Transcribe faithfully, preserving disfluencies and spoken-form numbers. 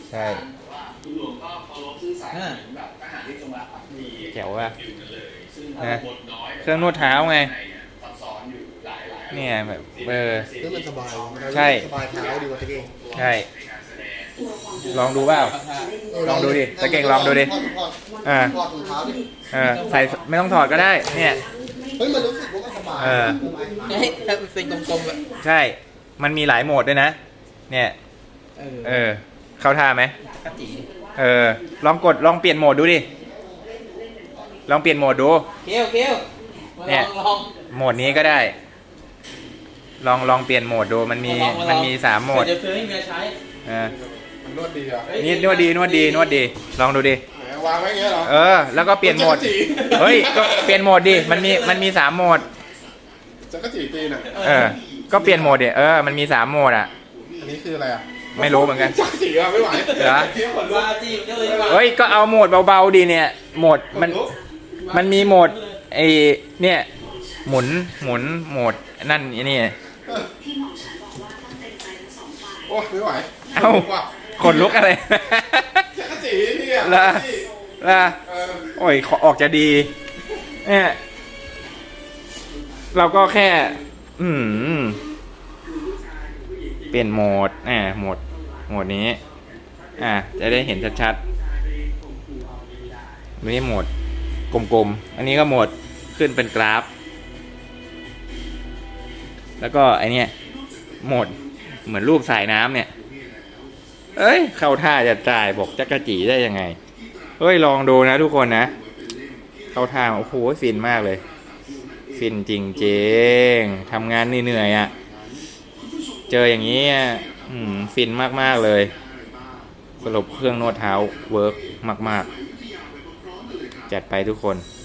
ใช่คุณหลวงก็เคารพซื่อสัตย์เหมือนแบบทหารที่จงรักภักดีแจ๋วว่ะนะเครื่องนวดเท้าไงซับซ้อนอยู่หลายหลายเนี่ยแบบเออซึ่งมันสบายใช่สบายเท้าดีกว่าตะเก่งใช่ลองดูเปล่าลองดูดิตะเก่งลองดูดิอ่าถอดถุงเท้าดิเออใส่ไม่ต้องถอดก็ได้เนี่ยเฮ้ยมันรู้สึกว่ามันสบายเออให้เป็นกลมๆแบบใช่มันมีหลายโหมดด้วยนะเนี่ยเออเข้าท่าไหมเออลองกดลองเปลี่ยนโหมดดูดิลองเปลี่ยนโหมดดูเคี้ยวเคี้ยวเนี่ยโหมดนี้ก็ได้ลองลองเปลี่ยนโหมดดูมันมีมันมีสามโหมดจะซื้อให้เมียใช้เออมันนวดดีอ่ะนี่นวดดีนวดดีนวดดีลองดูดิวางไว้อย่างเงี้ยเหรอเออแล้วก็เปลี่ยนโหมดเฮ้ยก็เปลี่ยนโหมดดิมันมีมันมีสามโหมดจะก็จีตีน่ะเออก็เปลี่ยนโหมดดิเออมันมีสามโหมดอ่ะอันนี้คืออะไรอ่ะไม่รู้เหมือนกันจักจีอ่ะไม่ไหวเหรอเฮ้ยก็เอาโหมดเบาๆดีเนี่ยโหมดมันมันมีโหมดไอเนี่ยหมุนหมุนโหมดนั่นนี่โอ้ไม่ไหวเอ้าขนลุกอะไรจักจีนี่อ่ะละละโอ้ยออกจะดีเนี่ยเราก็แค่อืมเปลี่ยนโหมดอ่าโหมดโหมดนี้อ่าจะได้เห็นชัดๆนี่โหมดกลมๆอันนี้ก็โหมดขึ้นเป็นกราฟแล้วก็ไอเนี้ยโหมดเหมือนรูปสายน้ำเนี่ยเอ้ยเข้าท่าจะจ่ายบอกจักรจีได้ยังไงเฮ้ยลองดูนะทุกคนนะเข้าท่าโอ้โหฟินมากเลยฟินจริงๆทำงานเหนื่อยๆอ่ะเจออย่างนี้อืมฟินมากๆเลยสรุปเครื่องนวดเท้าเวิร์กมากๆจัดไปทุกคน